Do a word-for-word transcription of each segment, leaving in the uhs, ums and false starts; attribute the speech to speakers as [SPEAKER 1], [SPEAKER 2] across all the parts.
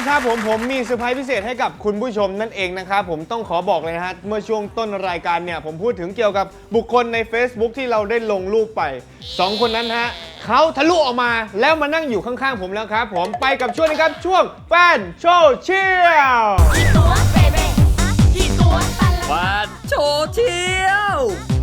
[SPEAKER 1] นะครับผมผมมีเซอร์ไพรส์พิเศษให้กับคุณผู้ชมนั่นเองนะครับผมต้องขอบอกเลยนะฮะเมื่อช่วงต้นรายการเนี่ยผมพูดถึงเกี่ยวกับบุคคลใน Facebook ที่เราได้ลงรูปไปสองคนนั้นฮะเขาทะลุออกมาแล้วมานั่งอยู่ข้างๆผมแล้วครับผมไปกับช่วงนี้ครับช่วงแฟนโชว์เชียล
[SPEAKER 2] แฟนโชว์เชียว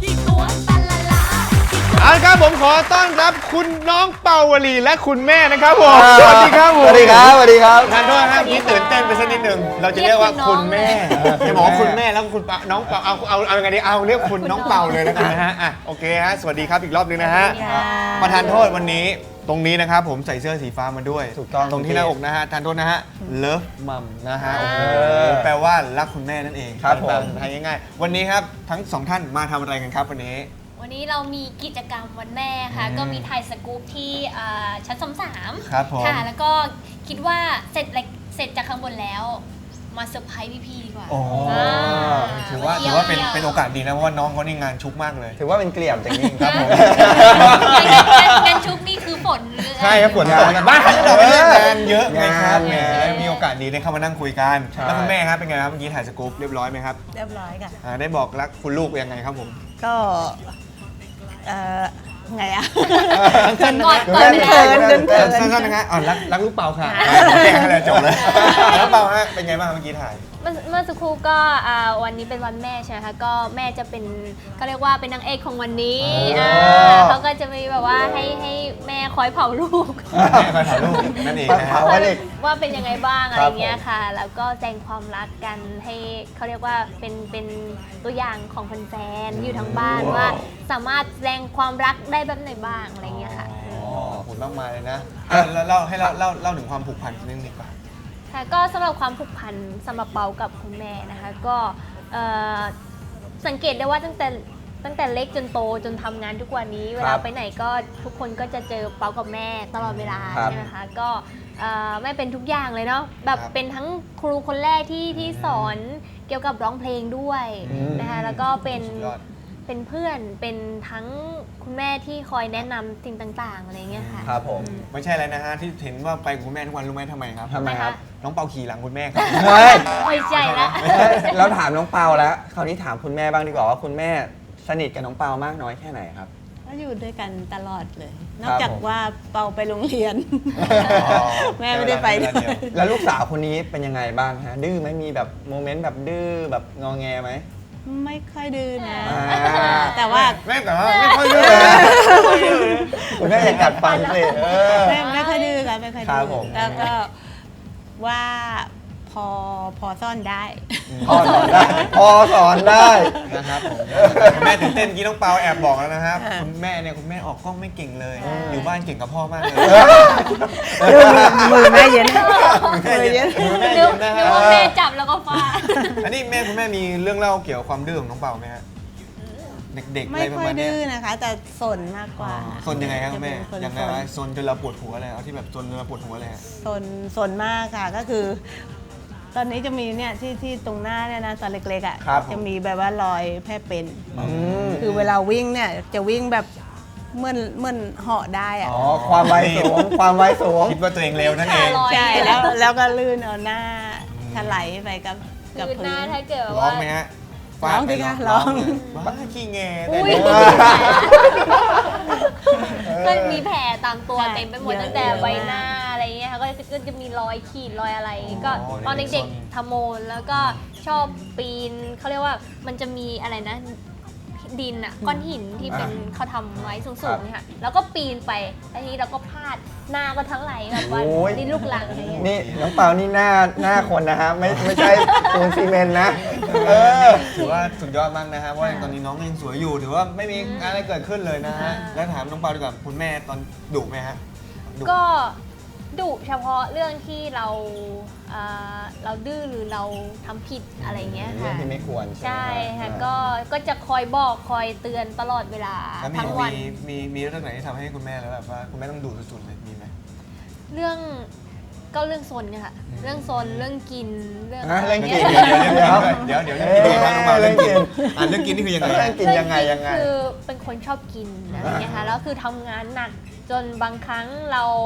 [SPEAKER 1] เอาละครับผมขอต้อนรับคุณน้องเปาวลีและคุณแม่นะครับผมสวัสดีครับผม
[SPEAKER 3] สวัสดีครับสวัสดีครับ
[SPEAKER 1] ทานโทษนะครับนี่ตื่นเต้นไปสักนิดหนึ่งเราจะเรียกว่าคุณแม่จะบอกว่าคุณแม่แล้วคุณน้องเปาเอาเอาเอายังไงดีเอาเรียกคุณน้องเปาเลยแล้วกันนะฮะอ่ะโอเคฮะสวัสดีครับอีกรอบนึงนะฮะประทานโทษวันนี้ตรงนี้นะครับผมใส่เสื้อสีฟ้ามาด้วย
[SPEAKER 3] ถูกต้อง
[SPEAKER 1] ตรงที่หน้าอกนะฮะทานโทษนะฮะเลิฟมัมนะฮะโอ้โหแปลว่ารักคุณแม่นั่นเอง
[SPEAKER 3] ครับผม
[SPEAKER 1] ไทยง่ายๆวันนี้ครับทั้งสองท่านมาทำอะไรกันครับวันนี้
[SPEAKER 4] วันนี้เรามีกิจกรรมวันแม่ค่ะก็มีถ่ายสกู๊ปที่ชั้นสาม
[SPEAKER 1] ครับผม
[SPEAKER 4] ค่ะแล้วก็คิดว่าเสร็จเสร็จจากข้างบนแล้วมาเซอร์ไพรส์พี่ๆดีกว่า
[SPEAKER 1] โอ้ถือว่าถือว่าเป็นเป็นโอกาสดีนะเพราะว่าน้องเขานี่งานชุกมากเลย
[SPEAKER 3] ถือว่าเป็นเกลี่ยมจากนี้ครับผม
[SPEAKER 4] งานชุกนี่คือฝน
[SPEAKER 1] ใช่ครับฝนตกนะบ้านเราไม่ได้งานเยอะไงครับแหมมีโอกาสดีได้เข้ามานั่งคุยกันแล้วคุณแม่ครับเป็นไงครับเมื่อกี้ถ่ายสกู๊ปเรียบร้อยไหมครับ
[SPEAKER 5] เรียบร้อยค่ะ
[SPEAKER 1] ได้บอกรักคุณลูกยังไงครับผม
[SPEAKER 5] ก็เอ่อไงอะ
[SPEAKER 4] เกินก่อนเกิน
[SPEAKER 5] เกินเกินเกิน
[SPEAKER 1] สั้นๆนะฮะอ๋อรักรักลูกเปาค่ะแจ้งให้เลยจบเลยแล้วเปาฮะเป็นไงบ้างเมื่อกี้ถ่าย
[SPEAKER 4] เมื่อสักครู่ก็วันนี้เป็นวันแม่ใช่ไหมคะก็แม่จะเป็นเขาเรียกว่าเป็นนางเอกของวันนี้เขาก็จะมีแบบว่าให้ให้แม่คอยเผาลูก
[SPEAKER 1] แม่คอยเผาลูกนั่นเองนะ
[SPEAKER 4] ว่าเป็นยังไงบ้างอะไรเงี้ยค่ะแล้วก็แสดงความรักกันให้เขาเรียกว่าเป็นเป็นตัวอย่างของแฟนๆอยู่ทั้งบ้านว่าสามารถแสดงความรักได้แบบไหนบ้างอะไรเงี้ยค่ะ
[SPEAKER 1] ขอบคุณมากมายเลยนะแล้วเล่าให้เล่าเล่าเล่าถึงความผูกพันนิดนึงดีกว่า
[SPEAKER 4] ค่ะก็สำหรับความผูกพันสำหรับเปากับคุณแม่นะคะก็สังเกตได้ว่าตั้งแต่ตั้งแต่เล็กจนโตจนทำงานทุกวันนี้เวลาไปไหนก็ทุกคนก็จะเจอเปากับแม่ตลอดเวลาใช่ไหมคะก็แม่เป็นทุกอย่างเลยเนาะแบบเป็นทั้งครูคนแรกที่ที่สอนเกี่ยวกับร้องเพลงด้วยนะคะแล้วก็เป็นเป็นเพื่อนเป็นทั้งคุณแม่ที่คอยแนะนำสิ่งต่างๆอะไรเงี้ยค่ะ
[SPEAKER 1] ครับผมไม่ใช่อะไรนะฮะที่เห็นว่าไปกับคุณแม่ทุกวันรู้ไหมทำไมครับ
[SPEAKER 3] ทำไมครับ
[SPEAKER 1] น้องเปาขี่หลังคุณแม่ครับ
[SPEAKER 4] ไม่ใช่ละ
[SPEAKER 3] แล้วถามน้องเปาแล้วคราวนี้ถามคุณแม่บ้างดีกว่าว่าคุณแม่สนิทกับน้องเปามากน้อยแค่ไหนครับ
[SPEAKER 5] ก็อยู่ด้วยกันตลอดเลยนอกจากว่าเปาไปโรงเรียนแม่ไม่ได้ไป
[SPEAKER 3] แล้วลูกสาวคนนี้เป็นยังไงบ้างฮะดื้อไหมมีแบบโมเมนต์แบบดื้อแบบงอแงไหม
[SPEAKER 5] ไม่ค่อยดื้อนะแต่ว่า
[SPEAKER 1] แม่แต่ว่าไม่ค่อยดื้อ
[SPEAKER 3] คุณแม่อย่ากัดฟันสิ
[SPEAKER 5] ไม่ไม่ค่อยดื้อค่ะไม่ค่อยดื้อแล้วก็ว่าพอพอซ่อนได้
[SPEAKER 3] พอสอนได้พอสอนได้
[SPEAKER 1] นะครับผมคุณแม่ตื่นเต้นกี้น้องเปาแอบบอกแล้วนะครับคุณแม่เนี่ยคุณแม่ออกกล้องไม่เก่งเลยอยู่บ้านเก่งกับพ่อมากเลย
[SPEAKER 5] มือแม่เย็น
[SPEAKER 4] มือเย็นนึกว่าแม่จับแล้วก็ฟาด
[SPEAKER 1] อันนี้แม่คุณแม่มีเรื่องเล่าเกี่ยวกับความดื้อของน้องเปาไหมฮะเด็กๆอะไรประมาณนี้
[SPEAKER 5] ไม่ค่อยดื้อนะคะแต่สนมากกว่า
[SPEAKER 1] สนยังไงครับแม่ยังไงวะสนจนเราปวดหัวเลยเอาที่แบบสนจนเราปวดหัวเลย
[SPEAKER 5] สนสนมากค่ะก็คือตอนนี้จะมีเนี่ยที่ที่ตรงหน้าเนี่ยนะตอนเล็กๆอ่ะจะมีแบบว่ารอยแผลเป็นคือเวลาวิ่งเนี่ยจะวิ่งแบบเหมือนเหมือนเหาะได้อ่ะ
[SPEAKER 3] อ๋อความไวสูงความไวสูง
[SPEAKER 1] คิดว่าตัวเองเร็วนั่นเอง
[SPEAKER 5] ใช่แล้วแล้วก็ลื่นเอาหน้าถลายไปกับกับ
[SPEAKER 4] พื้นหน้าถ้าเกิด
[SPEAKER 1] ว่าร้องไหมฮะ
[SPEAKER 5] ร้องดิค่ะร้อง
[SPEAKER 1] บ้าขี้แง
[SPEAKER 4] ก็มีแผลตามตัวเต็มไปหมดตั้งแต่ใบหน้าอะไรเงี้ยค่ะก็จะมีรอยขีดรอยอะไรก็ตอนเด็กๆทำโมนแล้วก็ชอบปีนเขาเรียกว่ามันจะมีอะไรนะดินอ่ะก้อนหินที่เป็นเขาทำไว้สูงๆเนี่ยค่ะแล้วก็ปีนไปแล้วทีนี้เราก็พลาดหน้าก็ทั้งไหลแบบว่าดินลูกหลังอะไรเงี้ย
[SPEAKER 3] นี่น้องเปานี่หน้าหน้าคนนะฮะไม่ไม่ใช่ปูนซีเมนต์นะเออ
[SPEAKER 1] ถือว่าสุดยอดมากนะฮะเพราะตอนนี้น้องยังสวยอยู่ถือว่าไม่มีอะไรเกิดขึ้นเลยนะฮะแล้วถามน้องเปาดีกว่าคุณแม่ตอนดุไหมฮะ
[SPEAKER 4] ก็ดุเฉพาะเรื่องที่เราเราดื้อหรือเราทำผิดอะไรเงี้ยค่ะ
[SPEAKER 3] ที่ไม่ควร
[SPEAKER 4] ใช่ค่ะก็ก็จะคอยบอกคอยเตือนตลอดเวลาทั้งวัน
[SPEAKER 1] มีมีเรื่องไหนที่ทำให้คุณแม่แล้วแบบว่าคุณแม่ต้องดุสุดๆเลยมีไหม
[SPEAKER 4] เรื่องก็เรื่องโซนเนี่ยค่ะเรื่องโซนเรื่องกิน
[SPEAKER 3] เรื่องเรื่องกิน
[SPEAKER 1] เดี๋ยวเดี๋ยวเดี๋ยวเดี๋ยวเรื่องกินน้องเรื่องกินอ่าเรื่องกินนี่คือยังไง
[SPEAKER 3] เรื่องกินยังไงยังไง
[SPEAKER 4] คือเป็นคนชอบกินอะไรเงี้ยค่ะแล้วคือทำงานหนักจนบางครั้งเรา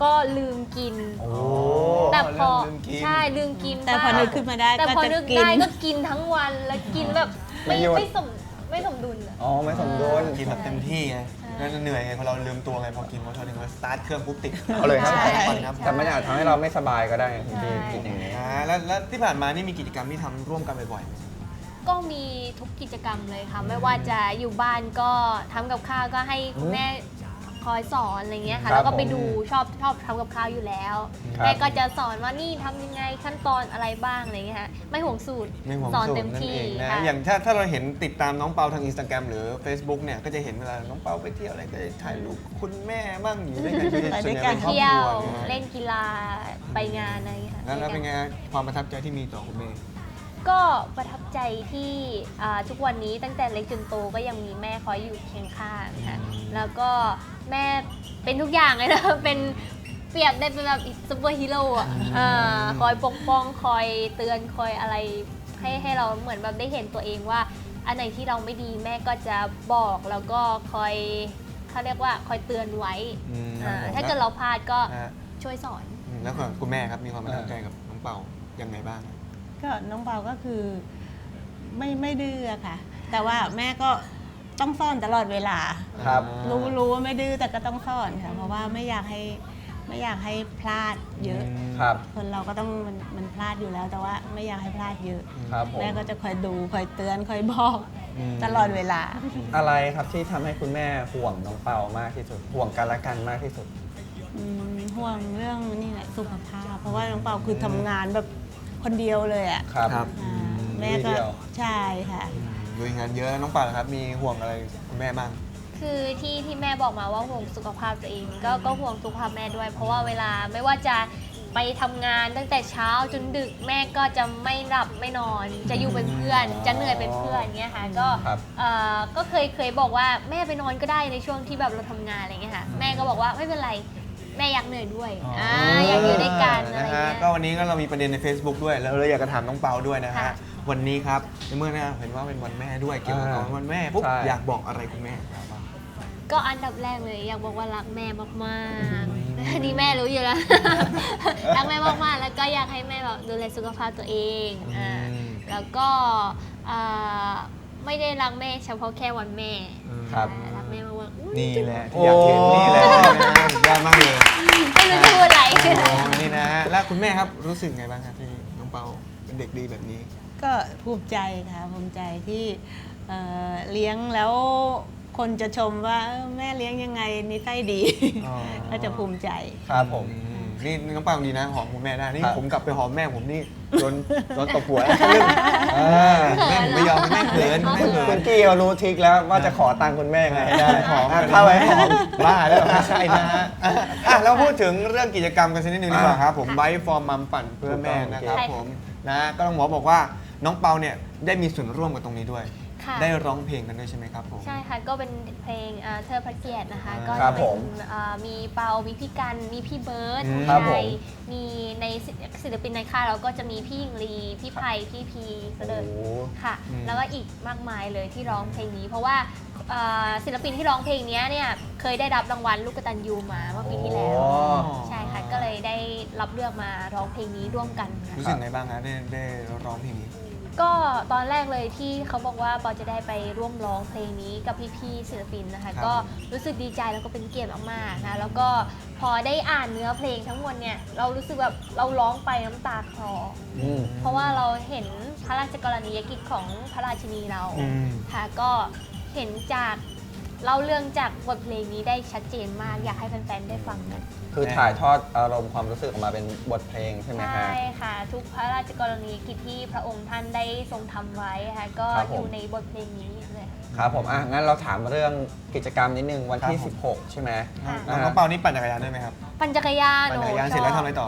[SPEAKER 4] ก็ลืมกิน
[SPEAKER 3] โอ้
[SPEAKER 4] แต่พอ
[SPEAKER 1] เริ่มลืมกิน
[SPEAKER 4] ใช่ลืมกิน
[SPEAKER 5] แต่พอ
[SPEAKER 4] บ้าง
[SPEAKER 5] นึกขึ้นมาได้
[SPEAKER 4] แต่
[SPEAKER 5] ก็
[SPEAKER 4] พอ
[SPEAKER 5] จะ
[SPEAKER 4] นึก
[SPEAKER 5] กิน
[SPEAKER 4] ได้ก็กินทั้งวันแล้วกินแบบไม่
[SPEAKER 3] ไม่หยุด
[SPEAKER 4] ไม่สมไม่สมดุลอะ
[SPEAKER 3] อ๋อไม่สมดุล
[SPEAKER 1] กินแบบเต็มที่ไงแล้วเหนื่อยไงพอเราลืมตัวไงพอกินพอชอบถึงว่าสตาร์ทเครื่องปุ๊บติด
[SPEAKER 3] เอาเลยครับ
[SPEAKER 4] ใช่
[SPEAKER 1] ครับ
[SPEAKER 3] แต่มันอาจทำให้เราไม่สบายก็ได้คุณพี่
[SPEAKER 4] ใช่
[SPEAKER 3] กินอย่างนี้
[SPEAKER 1] อ่าแล้วแล้วที่ผ่านมานี่มีกิจกรรมที่ทำร่วมกันบ่อยๆไหม
[SPEAKER 4] ก็มีทุกกิจกรรมเลยค่ะ ไม่ว่าจะอยู่บ้านก็ทำกับข้าวก็ให้คุณแม่คอยสอนอะไรเงี้ย
[SPEAKER 3] ครั
[SPEAKER 4] ค่ะ
[SPEAKER 3] บ
[SPEAKER 4] แล้วก็ไป
[SPEAKER 3] ผม
[SPEAKER 4] ดูชอบชอบทำกับข้าวอยู่แล้ว
[SPEAKER 3] ครับ
[SPEAKER 4] แม่ก็จะสอนว่านี่ทำยังไงขั้นตอนอะไรบ้างอะไรเงี้ยค่ะไม่ห่วงสูตร
[SPEAKER 1] ไม่ห่วง
[SPEAKER 4] สอน
[SPEAKER 1] สูตร
[SPEAKER 4] เต็ม
[SPEAKER 1] นั่น
[SPEAKER 4] ที่
[SPEAKER 1] เองนะ
[SPEAKER 4] ค่ะ
[SPEAKER 1] อย่างถ้าถ้าเราเห็นติดตามน้องเปาทางอินสตาแกรมหรือ Facebook เนี่ยก็จะเห็นเวลาน้องเปาไปเที่ยวอะไรก็จะถ่ายรูปคุณแม่บ้างอยู่ด้วยกันก็จะส่วนใหญ่เป็นครอบ
[SPEAKER 4] เที่ย
[SPEAKER 1] คว รัวนะ
[SPEAKER 4] เล่นกีฬาไปงานอะไรเงี้ยค่ะ
[SPEAKER 1] แล้วแล้ว
[SPEAKER 4] ด้วยกั
[SPEAKER 1] เป็นไงความประทับใจที่มีต่อคุณแม่
[SPEAKER 4] ก็ประทับใจที่อ่าทุกวันนี้ตั้งแต่เล็กจนโตก็ยังมีแม่คอยอยู่เคียงข้างค่ะแล้วก็แม่เป็นทุกอย่างเลยนะ เป็นเปรียบได้เป็นแบบซูเปอร์ฮีโร่อะอ่าคอยปกป้องคอยเตือนคอยอะไรให้ให้เราเหมือนแบบได้เห็นตัวเองว่า อันไหนที่เราไม่ดีแม่ก็จะบอกแล้วก็คอยเขาเรียกว่าคอยเตือนไว้
[SPEAKER 1] อืม
[SPEAKER 4] อ่า
[SPEAKER 1] ครับผม
[SPEAKER 4] ถ้าเกิดเราพลาดก็
[SPEAKER 1] นะฮะ
[SPEAKER 4] ช่วยสอน
[SPEAKER 1] อืมแล้วก็คุณแม่ครับมีความประทับใจกับน้องเปายังไงบ้าง
[SPEAKER 5] ก็น้องเปาก็คือไม่ไม่ดื้ออะค่ะ แต่ว่าแม่ก็ต้องซ่อนตลอดเวลา
[SPEAKER 3] ครับ
[SPEAKER 5] รู้รู้ว่าไม่ดื้อแต่ก็ต้องซ่อนค่ะ เพราะว่าไม่อยากให้ไม่อยากให้พลาดเยอะ
[SPEAKER 3] ครับ
[SPEAKER 5] คนเราก็ต้องมันมันพลาดอยู่แล้ว แต่ว่าไม่อยากให้พลาดเยอะ
[SPEAKER 3] ครับผม
[SPEAKER 5] แม่ก็จะคอยดูคอยเตือนคอยบอก
[SPEAKER 1] อืม
[SPEAKER 5] ตลอดเวลา
[SPEAKER 3] อะไรครับที่ทำให้คุณแม่ห่วงน้องเปามากที่สุด ห่วงกันและกันมากที่สุด
[SPEAKER 5] อืมห่วงเรื่องนี่แหละสุขภาพ เพราะว่าน้องเปาคือทำงานแบบคนเดียวเลยอ่ะ
[SPEAKER 3] ครับ
[SPEAKER 1] ครับ
[SPEAKER 5] อ่าแม่ก็
[SPEAKER 3] เดียว
[SPEAKER 5] ใช่ค่ะ
[SPEAKER 1] ลุยงานเยอะน้องเปานะครับมีห่วงอะไรคุณแม่บ้าง
[SPEAKER 4] คือที่ที่แม่บอกมาว่าห่วงสุขภาพตัวเองก็ก็ห่วงสุขภาพแม่ด้วย เพราะว่าเวลาไม่ว่าจะไปทำงานตั้งแต่เช้าจนดึกแม่ก็จะไม่หลับไม่นอน จะอยู่เป็นเพื่อน จะเหนื่อยเป็นเพื่อนเงี้ยค่ะก็
[SPEAKER 3] ครับ
[SPEAKER 4] เอ่อก็เคยเคยบอกว่าแม่ไปนอนก็ได้ในช่วงที่แบบเราทำงานอะไรเงี้ยค่ะแม่ก็บอกว่าไม่เป็นไรแม่อยากเหนื่อยด้วยอ่าอยากอยู่ด้วยกันอะไร
[SPEAKER 1] นะฮะ
[SPEAKER 4] เงี้ย
[SPEAKER 1] ก็วันนี้ก็เรามีประเด็นใน Facebook ด้วย แล้วเราอยากจะถามน้องเปาด้วยนะฮะ
[SPEAKER 4] ค่ะ
[SPEAKER 1] วันนี้ครับในเมื่อเนี่ยเห็นว่าเป็นวันแม่ด้วยเกี่ยวกับ
[SPEAKER 3] อ่า
[SPEAKER 1] วันแม่ปุ๊บ
[SPEAKER 3] ใช่
[SPEAKER 1] อยากบอกอะไรคุณแม่ครับ
[SPEAKER 4] ก็อันดับแรกเลยอยากบอกว่ารักแม่มากๆอันนี้แม่รู้อยู่แล้ว รักแม่มากๆแล้วก็อยากให้แม่แบบดูแลสุขภาพตัวเองอ่า
[SPEAKER 1] อืม
[SPEAKER 4] แล้วก็อ่าไม่ได้รักแม่เฉพาะแค่วันแม่
[SPEAKER 3] ครับ
[SPEAKER 4] อ่ารักแม่มากๆอุ๊ย
[SPEAKER 1] นี่แหละที่อยากเห็นนี่แหละสุดยอดมากเลย
[SPEAKER 4] ไม่รู้จะพูดอะไร
[SPEAKER 1] โอ้นี่นะฮะแล้วคุณแม่ครับรู้สึกไงบ้างครับที่น้องเปาเป็นเด็กดีแบบนี้
[SPEAKER 5] ก็ภูมิใจค่ะภูมิใจที่เอ่อเลี้ยงแล้วคนจะชมว่าเออแม่เลี้ยงยังไงนิสัยดี
[SPEAKER 1] อ๋อ
[SPEAKER 5] ก็จะภูมิใจ
[SPEAKER 3] ครับผม
[SPEAKER 1] อืมนี่น้องเปาดีนะหอมคุณแม่ได้นี่
[SPEAKER 3] ครับ
[SPEAKER 1] ผมกลับไปหอมแม่ผมนี่โดนโดนตบหัว
[SPEAKER 3] อ่า
[SPEAKER 1] แม่ผมไม่ยอมแม่เขินแม่เขิ
[SPEAKER 3] คุ
[SPEAKER 1] น
[SPEAKER 3] ณกี้เขารู้ทริคแล้วว่าจะขอตังค์คุณแม่ไงให้ได้
[SPEAKER 1] หอม
[SPEAKER 3] อ่ะเข้าไปหอม
[SPEAKER 1] บ้าแล้วไม่ใช่นะฮะอ่ะแล้วพูดถึงเรื่องกิจกรรมกันสักนิดนึงดีกว่าครับผมไบฟอร์มมัมปั่นเพื่อแม่นะครับ
[SPEAKER 4] ใช่ค่ะ
[SPEAKER 1] ผมนะก็ต้องหมอบอกว่าน้องเปาเนี่ยได้มีส่วนร่วมกับตรงนี้ด้วย
[SPEAKER 4] ค่ะ
[SPEAKER 1] ได้ร้องเพลงกันด้วยใช่ไหมครับผม
[SPEAKER 4] ใช่ค่ะ ก็เป็นเพลงเอ่อเธอพระเกียรตินะคะ
[SPEAKER 1] อ่า
[SPEAKER 4] ก็
[SPEAKER 3] ครั
[SPEAKER 4] จะ
[SPEAKER 3] บ
[SPEAKER 4] เป็
[SPEAKER 3] ผ
[SPEAKER 4] น
[SPEAKER 3] ม
[SPEAKER 4] เอ่อมีเปา มีพี่กัน มีพี่เบิร์ด
[SPEAKER 1] อืม
[SPEAKER 3] ครับผ
[SPEAKER 4] ใช่
[SPEAKER 3] ม
[SPEAKER 4] มีในศิลปินในค่ายเราก็จะมีพี่หญิงลี พี่ไผ่พี่พีเสดิร์ด
[SPEAKER 3] โอ้
[SPEAKER 4] ค่ะ
[SPEAKER 1] อืม
[SPEAKER 4] แล้วก็อีกมากมายเลยที่ร้องเพลงนี้ เพราะว่าเอ่อศิลปินที่ร้องเพลงนี้เนี่ยเคยได้รับรางวัลลูกกตัญญูมาเมื่อปีที่แล้ว
[SPEAKER 3] อ๋อ
[SPEAKER 4] ใช่ค่ะ ก็เลยได้รับเลือกมาร้องเพลงนี้ร่วมกันค่ะ
[SPEAKER 1] รู้สึกไงบ้างฮะได้ได้ร้องเพลงนี้
[SPEAKER 4] ก็ตอนแรกเลยที่เขาบอกว่าปอจะได้ไปร่วมร้องเพลงนี้กับพี่ๆศิลปินนะคะ
[SPEAKER 1] ครับ
[SPEAKER 4] ก็รู้สึกดีใจแล้วก็เป็นเกียรติมากๆนะแล้วก็พอได้อ่านเนื้อเพลงทั้งหมดเนี่ยเรารู้สึกแบบเราร้องไปน้ำตาคลอ
[SPEAKER 3] อืม
[SPEAKER 4] เพราะว่าเราเห็นพระราชกรณียกิจของพระราชินีเรา
[SPEAKER 1] อืม
[SPEAKER 4] ค่ะก็เห็นจากเล่าเรื่องจากบทเพลงนี้ได้ชัดเจนมากอยากให้แฟนๆได้ฟังกัน
[SPEAKER 3] คือถ่ายทอดอารมณ์ความรู้สึกออกมาเป็นบทเพลงใช่ไหมฮะ
[SPEAKER 4] ใช่ค่ะ ทุกพระราชกรณียกิจที่พระองค์ท่านได้ทรงทำไว้ค่ะก็
[SPEAKER 3] ครับผม
[SPEAKER 4] อยู่ในบทเพลงนี้เลย
[SPEAKER 3] ครับผมอ่ะงั้นเราถามเรื่องกิจกรรมนิดนึงวันที่
[SPEAKER 1] ครับผม
[SPEAKER 3] สิบหก ใช่ไหม
[SPEAKER 4] ค่ะ
[SPEAKER 1] น้องน้องเปานี่ปั่นจักรยานด้วยไหมครับ
[SPEAKER 4] ปั่นจักรยาน
[SPEAKER 1] ปั่นจักรยานเสร็จแล้วทำอะไรต่อ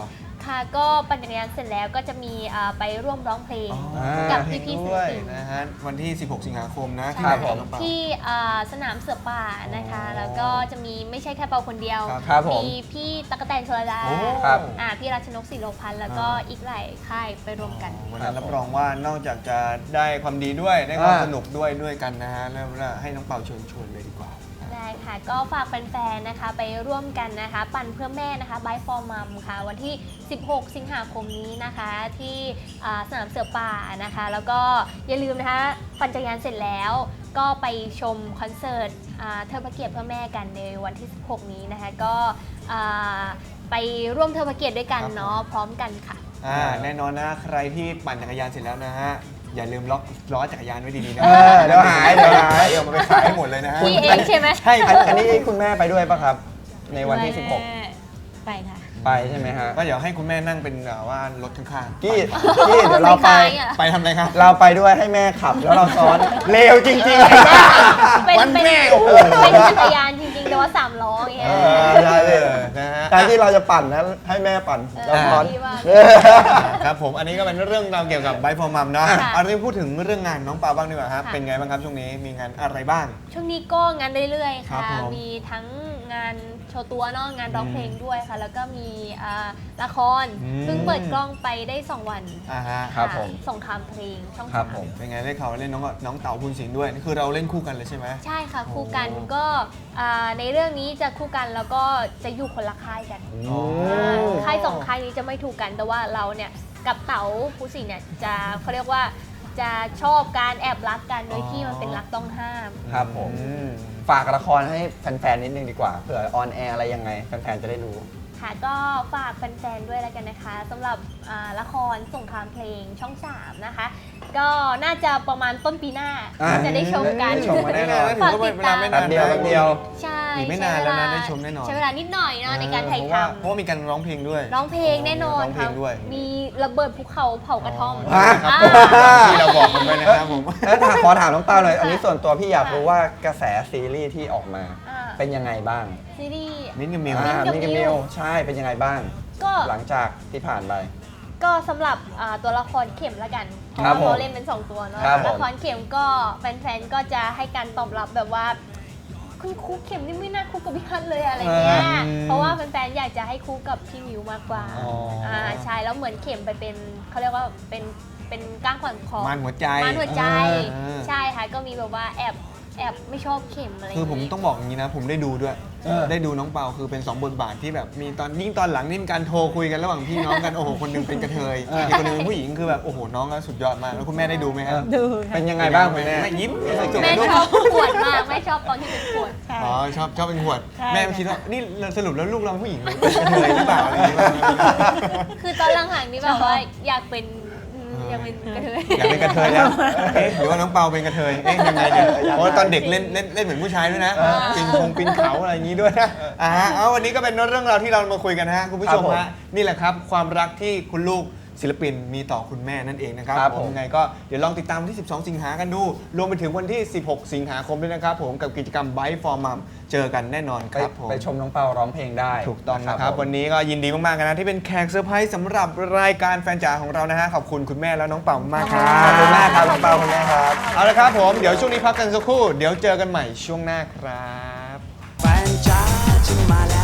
[SPEAKER 4] ค่ะก็ปั่นจักรยานเสร็จแล้วก็จะมีอ่าไปร่วมร้องเพลง
[SPEAKER 1] อ่า
[SPEAKER 4] กับพี่ๆศิล
[SPEAKER 1] ด้วย
[SPEAKER 4] ปิน
[SPEAKER 1] นะฮะวันที่ สิบหก สิงหาคมนะ
[SPEAKER 4] ใช่
[SPEAKER 1] ที่ไหน
[SPEAKER 3] ผม
[SPEAKER 1] น้องเปา
[SPEAKER 4] ที่อ่าสนามเสือป่านะคะ แล้วก็จะมีไม่ใช่แค่เปาคนเดียว
[SPEAKER 1] ครับ
[SPEAKER 3] ครับผม
[SPEAKER 4] มีพี่ตั๊กแตนชลดา
[SPEAKER 1] โอ้
[SPEAKER 3] ครับ
[SPEAKER 4] อ่าพี่รัชนกศิโรพันธ์แล้วก็
[SPEAKER 1] อ่า
[SPEAKER 4] อีกหลายค่ายไปรวมกัน
[SPEAKER 1] วันนั้นรับรองว่านอกจากจะได้ความดีด้วยได้ความ
[SPEAKER 3] อ่า
[SPEAKER 1] สนุกด้วยด้วยกันนะฮะแล้วให้น้องเปาเชิญชวนเลยดีกว่า
[SPEAKER 4] ได้ค่ะก็ฝากแฟนๆนะคะไปร่วมกันนะคะ ปั่นเพื่อแม่นะคะ Bike for Mom ค่ะ วันที่ สิบหก สิงหาคมนี้นะคะ ที่อ่าสนามเสือป่านะคะ แล้วก็อย่าลืมนะคะปั่นจักรยานเสร็จแล้ว ก็ไปชมคอนเสิร์ตอ่าเทิดพระเกียรติเพื่อแม่กันในวันที่ สิบหก นี้นะคะ ก็อ่าไปร่วมเทิดพระเกียรติด้วยกัน
[SPEAKER 1] ครับ
[SPEAKER 4] เนาะพร้อมกันค่ะ
[SPEAKER 1] อ่าแน่นอนนะใครที่ปั่นจักรยานเสร็จแล้วนะฮะอย่าลืมล็อกล้อจักรยานไว้ดีๆนะ
[SPEAKER 3] เออเดี๋ยวหายเดี๋ยวหาย
[SPEAKER 1] เดี๋ยวมันไปขายให้หมดเลยนะฮะ
[SPEAKER 4] พี่เองใช่ไหม
[SPEAKER 1] ใช่
[SPEAKER 3] อันอันนี้คุณแม่ไปด้วยปะครับ ในวันที่ สิบหก
[SPEAKER 5] ไปค่ะ
[SPEAKER 3] ไปใช่ไหมฮะ
[SPEAKER 1] ก็เดี๋ยวให้คุณแม่นั่งเป็นแบบว่ารถข้างๆ
[SPEAKER 3] กี้กี้เดี๋ยวเราไป
[SPEAKER 4] ม่ขยอะ
[SPEAKER 1] ไปทำอะไรครับ
[SPEAKER 3] เราไปด้วยให้แม่ขับแล้วเราซ้อนเร็วจริงๆ
[SPEAKER 4] เป็น
[SPEAKER 1] วัน
[SPEAKER 4] เป็น
[SPEAKER 1] แม่โอ้โห
[SPEAKER 4] เป็นจักรยานจริงๆ แต่ว่าสามล้ออย่างเงี้ย
[SPEAKER 3] เออได้เลย
[SPEAKER 1] นะฮะ
[SPEAKER 3] การที่เราจะปั่นนะให้แม่ปั่นเราซ้อน
[SPEAKER 4] ดีมาก
[SPEAKER 3] เออ
[SPEAKER 1] ครับผมอันนี้ก็เป็นเรื่องราวเกี่ยวกับไบค์ฟอร์มัมเนาะ
[SPEAKER 4] ค่ะ
[SPEAKER 1] เอาเรื่องพูดถึงเรื่องงานน้องปาบ้างดีกว่าครับ
[SPEAKER 4] ค่ะ
[SPEAKER 1] เป็นไงบ้างครับช่วงนี้มีงานอะไรบ้าง
[SPEAKER 4] ช่วงนี้ก็งานเรื่อยๆ
[SPEAKER 1] ครั
[SPEAKER 4] ค่ะ
[SPEAKER 1] บผม
[SPEAKER 4] มีทั้งงานโชว์ตัวเนาะงานร้องเพลงด้วยค่ะ แล้วก็มีอ่าละคร
[SPEAKER 1] อืม
[SPEAKER 4] เพิ่งเปิดกล้องไปได้สองวัน
[SPEAKER 1] อ่าฮะ
[SPEAKER 3] ครับ
[SPEAKER 4] ะ
[SPEAKER 3] ผม
[SPEAKER 4] สงครามเพลงช่อง
[SPEAKER 3] ครับ
[SPEAKER 4] สาม
[SPEAKER 3] ผม
[SPEAKER 1] เป็นไงได้ข่าวว่าเล่นน้องน้องเต๋าภูนศิลป์ด้วยนี่คือเราเล่นคู่กันเลยใช่ไหม
[SPEAKER 4] ใช่ค่ะ คู่กัน
[SPEAKER 1] โอ้
[SPEAKER 4] ก็อ่าในเรื่องนี้จะคู่กันแล้วก็จะอยู่คนละค่ายกัน
[SPEAKER 1] อ๋อ
[SPEAKER 4] อ่าค่ายสองค่ายนี้จะไม่ถูกกันแต่ว่าเราเนี่ยกับเต๋าภูสินทร์เนี่ยจะเขาเรียกว่าจะชอบการแอบรักกันโดยที่มันเป็นรักต้องห้าม
[SPEAKER 3] ครับผม
[SPEAKER 1] อืม
[SPEAKER 3] ฝากละครให้แฟนๆนิดนึงดีกว่าเผื่อออนแอร์อะไรยังไงแฟนๆจะได้รู้
[SPEAKER 4] ค่ะก็ฝากแฟนๆด้วยแล้วกันนะคะสำหรับอ่าละครสงครามเพลงช่องสามนะคะ ก็น่าจะประมาณต้นปีหน้า
[SPEAKER 3] อ่า
[SPEAKER 4] จะได้ชมกัน
[SPEAKER 3] ได้ชมกันแน่นอน
[SPEAKER 4] ฝากติดตาม
[SPEAKER 1] ไม่
[SPEAKER 3] แป๊บเดียวแป๊บเดียว
[SPEAKER 4] ใช่
[SPEAKER 1] อีกไม่นานแล้วนะได้ชมแน่นอน
[SPEAKER 4] ใช้เวลานิดหน่อยเนอะในการถ่าย
[SPEAKER 1] เพ
[SPEAKER 4] ท
[SPEAKER 1] ราะว่าเพราะว่ามีการร้องเพลงด้วย
[SPEAKER 4] ำร้องเพลงแน่นอน
[SPEAKER 1] ร้องเพล
[SPEAKER 4] ค่ะ
[SPEAKER 1] งด้วย
[SPEAKER 4] มีระเบิดภูเขาเผากระท่อม
[SPEAKER 3] ฮะ
[SPEAKER 4] อ่า
[SPEAKER 1] ที่เราบอกกันไปนะครับผม
[SPEAKER 3] แล้วถามขอถามน้องเต้าเลย อันนี้ส่วนตัวพี่อยากรู้ว่ากระแสซีรีส์ที่ออกมา
[SPEAKER 4] อ่า
[SPEAKER 3] เป็นยังไงบ้าง
[SPEAKER 4] ซีรีส์
[SPEAKER 1] มิ้นท์กับมิว
[SPEAKER 3] อ่า
[SPEAKER 4] มิ้
[SPEAKER 3] มิ
[SPEAKER 4] น
[SPEAKER 3] ก
[SPEAKER 4] ท์
[SPEAKER 3] มิวใช่เป็นยังไงบ้าง
[SPEAKER 4] ก็
[SPEAKER 3] หลังจากที่ผ่านไป
[SPEAKER 4] ก็สำหรับอ่าตัวละครเข็มละกันเพราะ
[SPEAKER 3] ครับ
[SPEAKER 4] ว่า
[SPEAKER 3] ผม
[SPEAKER 4] เขาเล่นเป็นสองตัวเนาะ
[SPEAKER 3] ครับผม
[SPEAKER 4] ละครเข็มก็แฟนๆก็จะให้การตอบรับแบบว่าคุณครูเข็มนี่ไม่น่าคู่กับพี่ฮันเลยอะไรเงี้ย
[SPEAKER 1] อืม
[SPEAKER 4] เพราะว่าแฟนๆอยากจะให้คู่กับพี่มิวมากกว่า
[SPEAKER 1] อ๋ออ่
[SPEAKER 4] าใช่แล้วเหมือนเข็มไปเป็นเขาเรียกว่าเป็นเป็นก้างขวางคอ
[SPEAKER 1] มานหัวใจ
[SPEAKER 4] มานหัวใจ
[SPEAKER 1] เออ
[SPEAKER 4] ใช่ค่ะก็มีแบบว่าแอบแอบไม่ชอบเข็มอะไร
[SPEAKER 1] คือผม
[SPEAKER 4] ย่า
[SPEAKER 1] ต้องบอกอย่างนี้นะ ผมได้ดูด้วย
[SPEAKER 3] เออ
[SPEAKER 1] ได้ดูน้องเปาคือเป็นสองบทบาทที่แบบมีตอนยิ่งตอนหลังนี่มีการโทรคุยกันระหว่างพี่น้องกัน โอ้โหคนหนึงเป็นกระเทย
[SPEAKER 3] เอออี
[SPEAKER 1] อีกคนหนึงเป็นผู้หญิงคือแบบโอ้โหน้องก็สุดยอดมากแล้วคุณแม่ได้ดูไหมครับ
[SPEAKER 5] ดูค่ะ
[SPEAKER 3] เป็นยังไงบ้างคุณแม่
[SPEAKER 1] แม่ยิ้มสุด
[SPEAKER 4] แม่
[SPEAKER 1] ๆลูก
[SPEAKER 4] ชอบขวดมากแม่ชอบตอนที่เป็นขวด
[SPEAKER 5] ใช่
[SPEAKER 1] อ๋อชอบชอบเป็นขวด
[SPEAKER 5] ใช่
[SPEAKER 1] แม่คิดว่านี่สรุปแล้วลูกเราผู้หญิงหรือเป็นกระเทยหรือเปล่าอะไรอย่างเงี้ย
[SPEAKER 4] คือตอนหลังๆนี่แบบว่าอยากเป็นอืมอยากเป็นกระเทย
[SPEAKER 1] อยากเป็นกระเทยแล้วเอ๊ะหรือว่าน้องเปาเป็นกระเทยเอ๊ะยังไงเนี่ยเพราะว่าตอนเด็กเล่นเล่นเล่นเหมือนผู้ชายด้วยนะปีนคงปีนเขาอะไรอย่างนี้ด้วยนะอ่าฮะเอาวันนี้ก็เป็นเรื่องราวที่เรามาคุยกันนะฮะคุณผู้ชม
[SPEAKER 3] ครับผม
[SPEAKER 1] ฮะนี่แหละครับความรักที่คุณลูกศิลปินมีต่อคุณแม่นั่นเองนะครับ
[SPEAKER 3] ครับ
[SPEAKER 1] ผ
[SPEAKER 3] ผม ม
[SPEAKER 1] ยังไงก็เดี๋ยวลองติดตามวันที่ สิบสอง สิงหากันดู รวมไปถึงวันที่ สิบหก สิงหาคมด้วยนะครับผมกับกิจกรรม Bike for Mom เจอกันแน่นอนค
[SPEAKER 3] ไป
[SPEAKER 1] รับผม
[SPEAKER 3] ไปชมน้องเปาร้องเพลงได้
[SPEAKER 1] ถูกต้องนะครับ
[SPEAKER 3] ผม
[SPEAKER 1] วันนี้ก็ยินดีมากๆนะที่เป็นแขกเซอร์ไพรส์สำหรับรายการแฟนจ๋าของเรานะฮะขอบคุณคุณแม่แล้วน้องเป่ามากๆครับ
[SPEAKER 3] ขอบคุณมากครับน้องเปาคุณแม่ครับ
[SPEAKER 1] เอาละครับผมเดี๋ยวช่วงนี้พักกันสักครู่เดี๋ยวเจอกันใหม่ช่วงหน้าครับ
[SPEAKER 2] แฟนจ้าฉันมาแล้ว